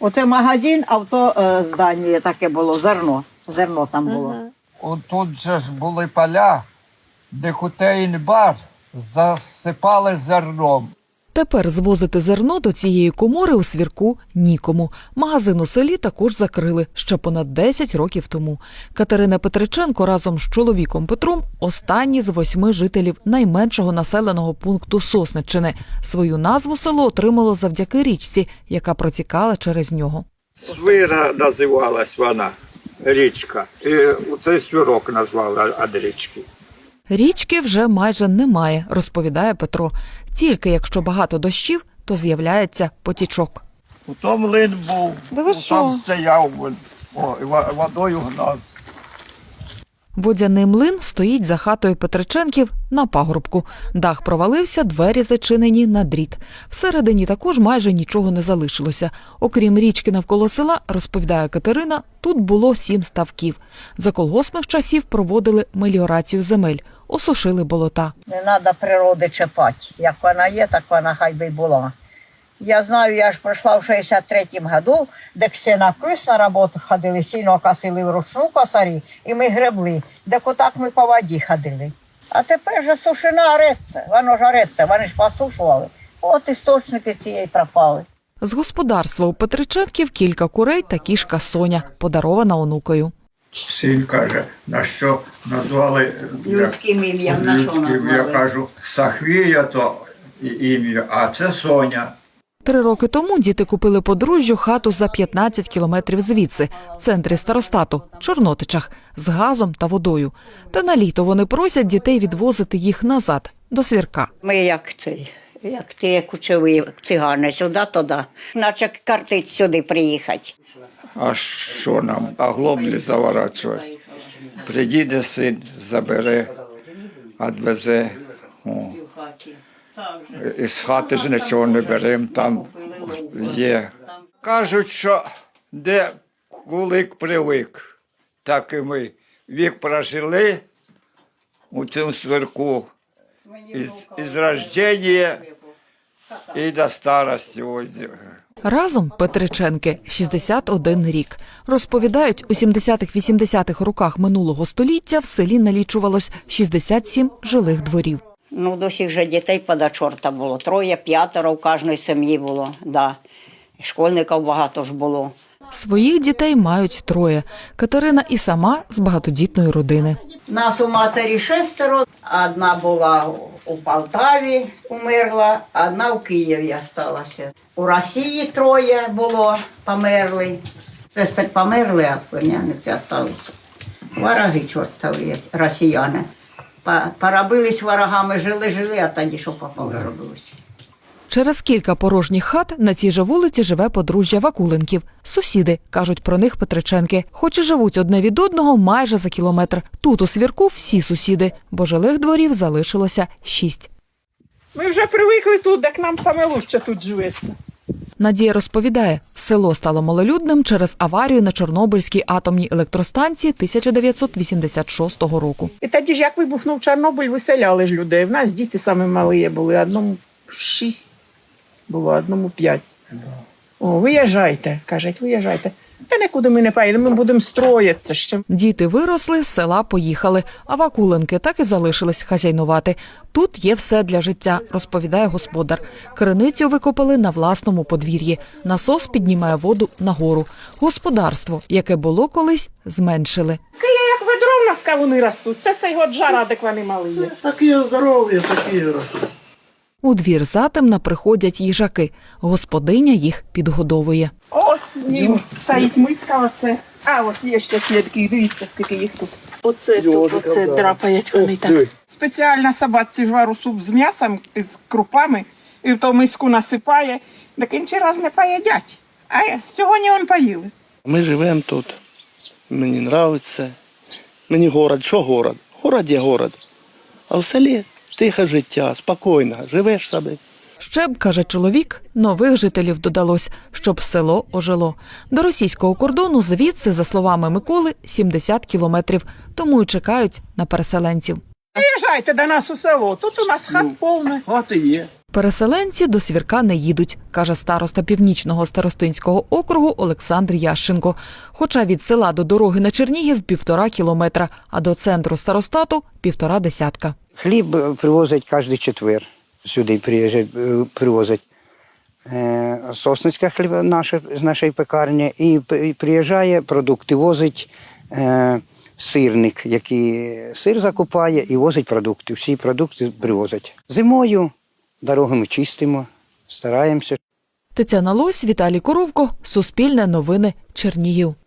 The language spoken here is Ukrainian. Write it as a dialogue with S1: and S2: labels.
S1: Оце магазин, а в то здання таке було, зерно. Зерно там було.
S2: Тут же ж були поля, де котейн-бар засипали зерном.
S3: Тепер звозити зерно до цієї комори у Свірку нікому. Магазин у селі також закрили ще понад 10 років тому. Катерина Петриченко разом з чоловіком Петром – останні з 8 жителів найменшого населеного пункту Сосниччини. Свою назву село отримало завдяки річці, яка протікала через нього.
S2: Свира називалась вона, річка. І цей свірок назвали від річки.
S3: Річки вже майже немає, розповідає Петро. Тільки якщо багато дощів, то з'являється потічок.
S2: Ото млин був, там стояв, водою гнав.
S3: Водяний млин стоїть за хатою Петриченків на пагорбку. Дах провалився, двері зачинені на дріт. Всередині також майже нічого не залишилося. Окрім річки навколо села, розповідає Катерина, тут було 7 ставків. За колгоспних часів проводили меліорацію земель, осушили болота.
S1: Не треба природи чіпати. Як вона є, так вона хай би й була. Я знаю, я ж пройшла в 63-му году, де ксенокис на роботу ходили, сіно косили вручну косарі, і ми гребли, де отак ми по воді ходили. А тепер же сушина ореться, воно ж ореться, вони ж посушували. От істочники цієї пропали.
S3: З господарства у Петриченків кілька курей та кішка Соня, подарована онукою.
S2: Син каже, на що назвали
S1: Людським ім'ям на що назвали?
S2: Я кажу, Сахвія то ім'я, а це Соня.
S3: 3 роки тому діти купили подружжю хату за 15 кілометрів звідси, в центрі старостату, Чорнотичах, з газом та водою. Та на літо вони просять дітей відвозити їх назад, до Свірка.
S1: Ми як ті кучові цигани, сюди-туди, наче картить сюди приїхати.
S2: А що нам? А глоблі заворачувати. Приїде син, забере, відвезе. Із хати ж нічого не беремо, там є. Кажуть, що де кулик привик, так і ми. Вік прожили у цьому Свірку із рождення і до старості.
S3: Разом Петриченки 61 рік. Розповідають, у 70-80-х роках минулого століття в селі налічувалось 67 жилих дворів.
S1: Ну, до сих же дітей пода чорта було. 3-5 в кожній сім'ї було, да. Школьників багато ж було.
S3: Своїх дітей мають 3. Катерина і сама з багатодітної родини.
S1: Нас у матері 6, одна була у Полтаві, умерла, одна в Києві залишилася. У Росії 3 було, померли. Сестри померли, а племянниці залишилися. Вороги чортові, росіяни. Поробились ворогами, жили, а тоді що попало робилося.
S3: Через кілька порожніх хат на цій же вулиці живе подружжя Вакуленків. Сусіди, кажуть про них Петриченки, хоч і живуть одне від одного майже за кілометр. Тут у Свірку всі сусіди, бо жилих дворів залишилося 6.
S4: Ми вже привикли тут, де к нам саме лучше тут живеться.
S3: Надія розповідає, село стало малолюдним через аварію на Чорнобильській атомній електростанції 1986 року.
S4: І тоді ж, як вибухнув Чорнобиль, виселяли ж людей. В нас діти саме малі були, одному 6 було, одному 5. О, виїжджайте, кажуть, виїжджайте. Та нікуди ми не поїдемо, ми будемо строїтися ще.
S3: Діти виросли, з села поїхали, а Вакуленки так і залишились хазяйнувати. Тут є все для життя, розповідає господар. Криницю викопали на власному подвір'ї. Насос піднімає воду нагору. Господарство, яке було колись, зменшили.
S4: Як ведро в нас кавуни ростуть, це все його джара, де вони мали є.
S5: Такі здорові, такі ростуть.
S3: У двір затемна приходять їжаки. Господиня їх підгодовує.
S4: Ось стоїть миска, оце. А ось є ще слідки, дивіться, скільки їх тут. Оце тут, оце драпають вони так. Спеціальна собаці жвару суп з м'ясом, з крупами, і в ту миску насипає, так інші раз не поїдять. А сьогодні вони поїли.
S5: Ми живемо тут. Мені подобається. Мені город, що город? Город є город. А в селі тихе життя, спокійно, живеш собі.
S3: Ще б, каже чоловік, нових жителів додалось, щоб село ожило. До російського кордону звідси, за словами Миколи, 70 кілометрів, тому й чекають на переселенців.
S4: Приїжджайте до нас у село, тут у нас хат повне.
S5: Хати є.
S3: Переселенці до Свірка не їдуть, каже староста Північного старостинського округу Олександр Ященко. Хоча від села до дороги на Чернігів 1,5 кілометра, а до центру старостату – 1,5 десятка.
S6: Хліб привозять кожен четвер. Сюди привозять. Сосницька хліб з нашої пекарні. І приїжджає, продукти возить сирник, який сир закупає і возить продукти. Всі продукти привозять. Зимою дороги ми чистимо, стараємося.
S3: Тетяна Лось, Віталій Коровко, Суспільне новини, Чернігів.